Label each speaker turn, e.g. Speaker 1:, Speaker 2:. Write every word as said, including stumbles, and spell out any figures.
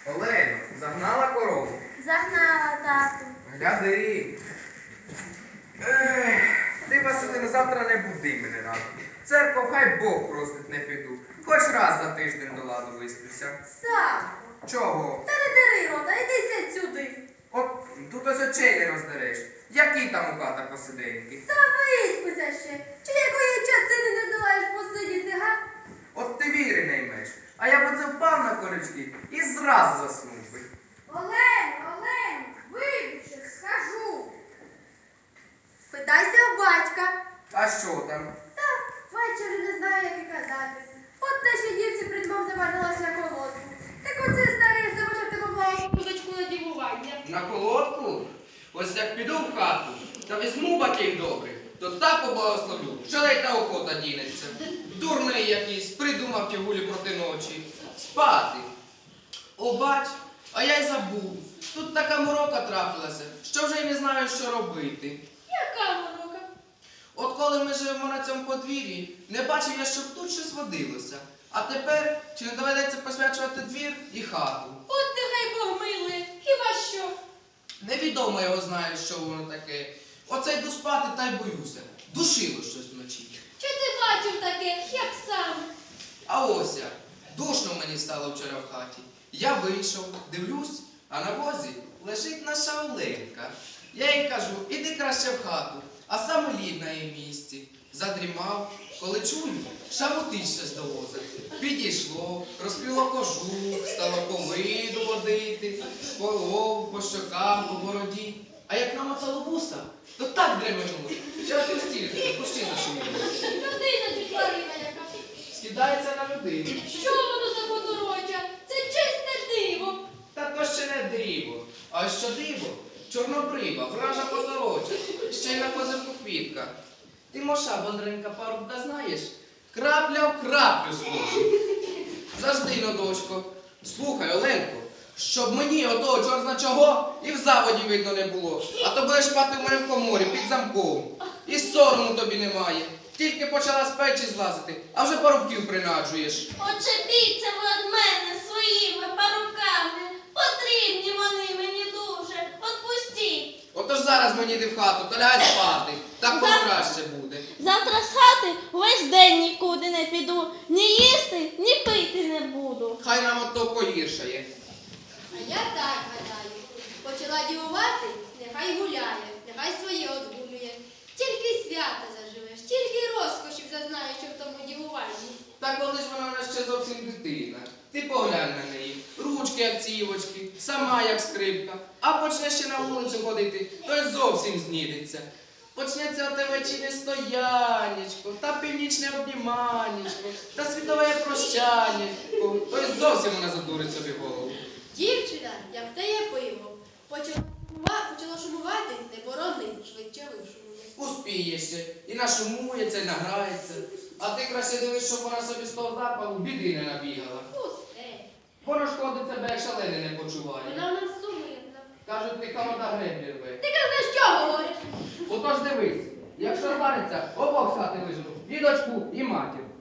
Speaker 1: Олено, загнала корову?
Speaker 2: Загнала, тату.
Speaker 1: Гляди. Ех, ти, Василина, завтра не буди мене рано. В церкву хай Бог простить, не піду. Хоч раз за тиждень до ладу висплюся.
Speaker 2: Савко,
Speaker 1: Чого?
Speaker 2: та не дари рота, йдися сюди.
Speaker 1: От тут ось очей не роздереш. Які там у хата посиденьки?
Speaker 2: Та виспися ще. Чи якої частини не долаєш посидіти, га?
Speaker 1: От ти віри не ймеш. А я б оце впав на корички і зраз заснув би.
Speaker 2: Олень, Олень, вибачте, скажу. Питайся в батька.
Speaker 1: А що там?
Speaker 2: Та батько вже не знає, як і казати. От нашій дівці придбав заважилася на колодку. Так оце старий забачав тебе мого кузочку на дівування.
Speaker 3: На колодку? Ось як піду в хату та візьму баків добрих, то так поблагословлю, що ледь та охота дінеться. Дурний якийсь, придумав ті гулі проти ночі. Спати. О, бач, а я й забув. Тут така морока трапилася, що вже й не знаю, що робити.
Speaker 2: Яка морока?
Speaker 3: От коли ми живемо на цьому подвір'ї, не бачив я, щоб тут щось водилося. А тепер чи не доведеться посвячувати двір і хату?
Speaker 2: От нехай Бог милує, хіба що?
Speaker 3: Невідомо його знає, що воно таке. Оце йду спати та й боюся. Душило щось вночі.
Speaker 2: Чи ти бачив таке, як саме?
Speaker 3: А ось як. Душно мені стало вчора в хаті. Я вийшов, дивлюсь, а на возі лежить наша Оленка. Я їй кажу, іди краще в хату, а саме лід на її місці. Задрімав, коли чую, шамотить щось до воза. Підійшло, розкрило кожух, стало по виду водити, по лобу, по щокам, по бороді. А як намотало вуса, то так дременуло, що аж стільки, пущі зашуміли.
Speaker 2: Людина чи тварина яка?
Speaker 3: Скидається на людину.
Speaker 2: Що воно за подорожжя? Це чисте диво.
Speaker 3: Та то ще не диво. А що диво? Чорнобрива, вража позороча, ще й на козирку квітка. Ти, Моша, Бондренька, парубка знаєш? Крапля в краплю схожу. Завжди, но, дочко. Слухай, Оленко, щоб мені отого чорзна чого і в заводі видно не було. А то будеш спати в мене в коморі під замком. І сорому тобі немає. Тільки почала з печі злазити, а вже парубків принаджуєш.
Speaker 4: Очепіться ви від мене своїми паруками. Потрібні вони мені дуже. Отпустіть.
Speaker 3: Отож зараз мені йди в хату, то лягай спати. Так краще буде.
Speaker 4: Завтра з хати весь день нікуди не піду. Ні їсти, ні пити не буду.
Speaker 3: Хай нам ото погіршає.
Speaker 2: А я так гадаю. Почала дівувати, нехай гуляє, нехай своє одгулює. Тільки свята заживеш, тільки розкошів зазнаєш, що в тому дівуванні.
Speaker 3: Та коли ж вона в нас ще зовсім дитина. Ти поглянь на неї. Ручки, як цівочки, сама, як скрипка. А почне ще на вулицю ходити, то й зовсім знідеться. Почнеться оте вечірнє стоянечко, та північне обніманечко, та світове прощанечко. То й зовсім вона задурить собі голову.
Speaker 2: Дівчина, як те є пиво. Почала, шумува- почала шумувати, не борони, швидше вишумує.
Speaker 3: Успіє ще, і нашумується, і награється. А ти краще дивись, щоб вона собі з того запалу біди не набігала.
Speaker 2: Пусте.
Speaker 3: Воно шкодить себе, як шалений не почуває.
Speaker 2: Вона в нас сумирна.
Speaker 3: Кажуть, ти холода греблі рве.
Speaker 2: Ти казав, що говориш?
Speaker 3: Отож дивись, якщо звариться, обох з хати вижену, і дочку, і матір.